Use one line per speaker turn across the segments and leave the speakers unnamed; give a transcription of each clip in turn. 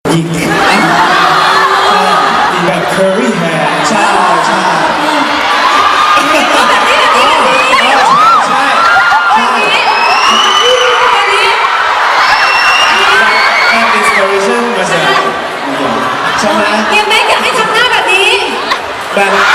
หญิงมีแบบ curly hair
ใช่ใช่
inspiration มาจาก
ใช่ไหม
เฮียแม็กอยากให้ทำหน้าแบบนี้
แบบนั้น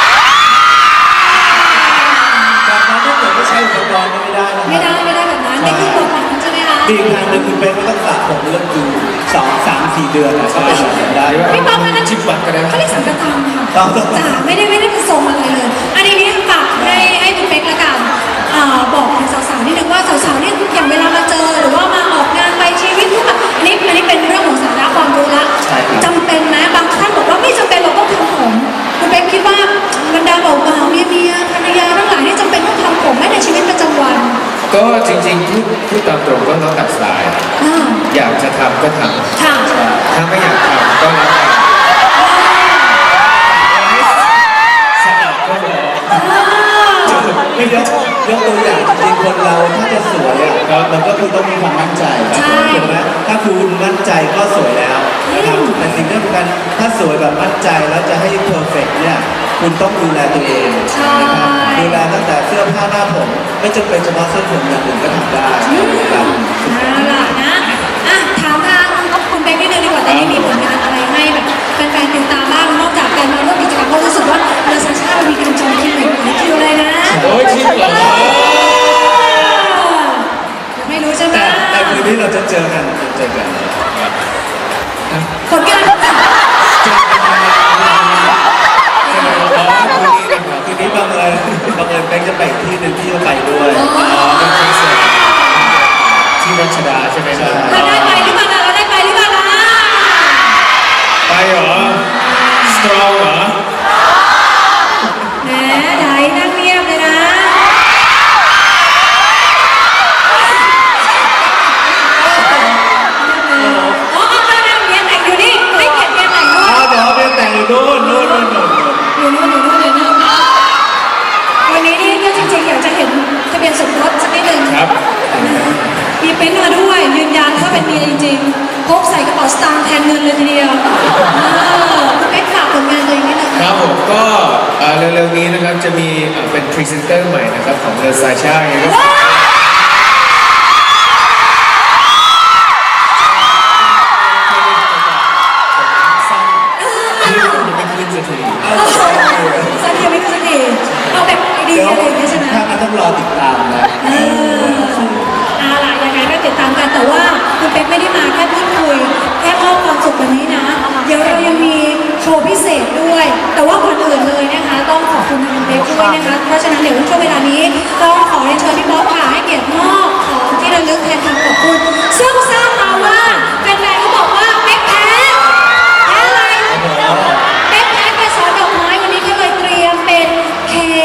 ถ้าเกิดไม่ใช่อุปกรณ์ก็ไม่ได้นะ
ไม่ได้แบบนั้นไม่คือบทนั้นใช่ไหมคะ
มีอีกทางหนึ่งคือเป็นต้องสระผมเรื่องอยู่2-3-4 เดือนนะก็เป็นแบบได้
พี่ป๊อปคะนั้น
จิบบัตรก็ได้
เขาเรียกสังกตามค่ะ
ต้อง
จ้าไม่ได้เป็นทรงอะไรเลย อันนี้ฝากให้คุณเป๊กละกันบอกถึงสาวๆนิดนึงว่าสาวๆนี่อย่างเวลามาเจอหรือว่ามาออกงานไปชีวิตทุกแบบอันนี้เป็นเรื่องของสาระความรู้ละจำเป็นไหมบางท่านบอกว่าไม่จำเป็นเราต้องทำผมคุณเป๊กคิดว่าบรรดาเบาๆเมียภรรยาทั้งหลายนี่จำเป็นต้องทำผมไหมในชีวิตประจำวัน
ก็จริงๆพูดตามตรงก็แล้วแต่สไตล์อยากจะทำก็ทำ
ค่ะ
ถ้าไม่อยากทำก็แล้วแต่สะอาดก็พอ
ไม่ยกตัวอย่างจริงๆคนเราถ้าจะสวยอ่ะมันก็คือต้องมีความมั่นใจถูกไหมถ้าคุณมั่นใจก็สวยแล้วนะครับแต่สิ่งที่สำคัญถ้าสวยแบบมั่นใจแล้วจะให้เพอร์เฟกต์เนี่ยคุณต้องดูแลตัวเองนะครับดูแลตั้งแต่เสื้อผ้าหน้าผมไม่จำเป็นเฉพาะเสื้อผมอย่างอื่นก็ทำได้ครับ
เอาล่ะนะถามทางคุณเป๊กนิดนึงดีกว่าตอนนี้มีผลงานอะไรให้แบบแฟนๆติดตามบ้างนอกจากการมาร่วมกิจกรรมเพราะรู้สึกว่าเดอะซาชามันมีการจองคิวหลายคิวเลยนะ
โอ้ยจริงเหรอ
ไม่รู้ใช่ไหม
แต่คืนนี้เราจะเจอกัน
ผลงาน
คืนนี้บังเอิญแบงค์จะไปอีกที่หนึ่งที่จะไปด้วย
เป็นคอนเสิร์ตที่รัชดาใช่ไหมครับ
เราได้ไปหรือเปล่าเราได้ไปหรือเปล่าล่ะ
ไปเหรอ strong เหรอ
แหมไดนั่งเงียบเลยนะอ๋อเมียแต่งอยู่นี่ให้เกียรติเมียแต่งด้วย
บอกว่าเป็นแต่งอยู่นู่น
อยู่นู่นวันนี้นี่ก็จริงๆอยากจะเห็นทะเบียนสมรสสักนิดหนึ่ง
ครับ
มีเป็นมาด้วยยืนยันว่าเป็นเมียจริงๆพกใส่กระเป๋าสตางค์แทนเงินเลยทีเดียวคุณเป๊กฝากผลงานตัวเองนิดนึง
ครับผมก็เร็วๆนี้นะครับจะมีเป็นพรีเซนเตอร์ใหม่นะครับของเดอะซาชาไงครับ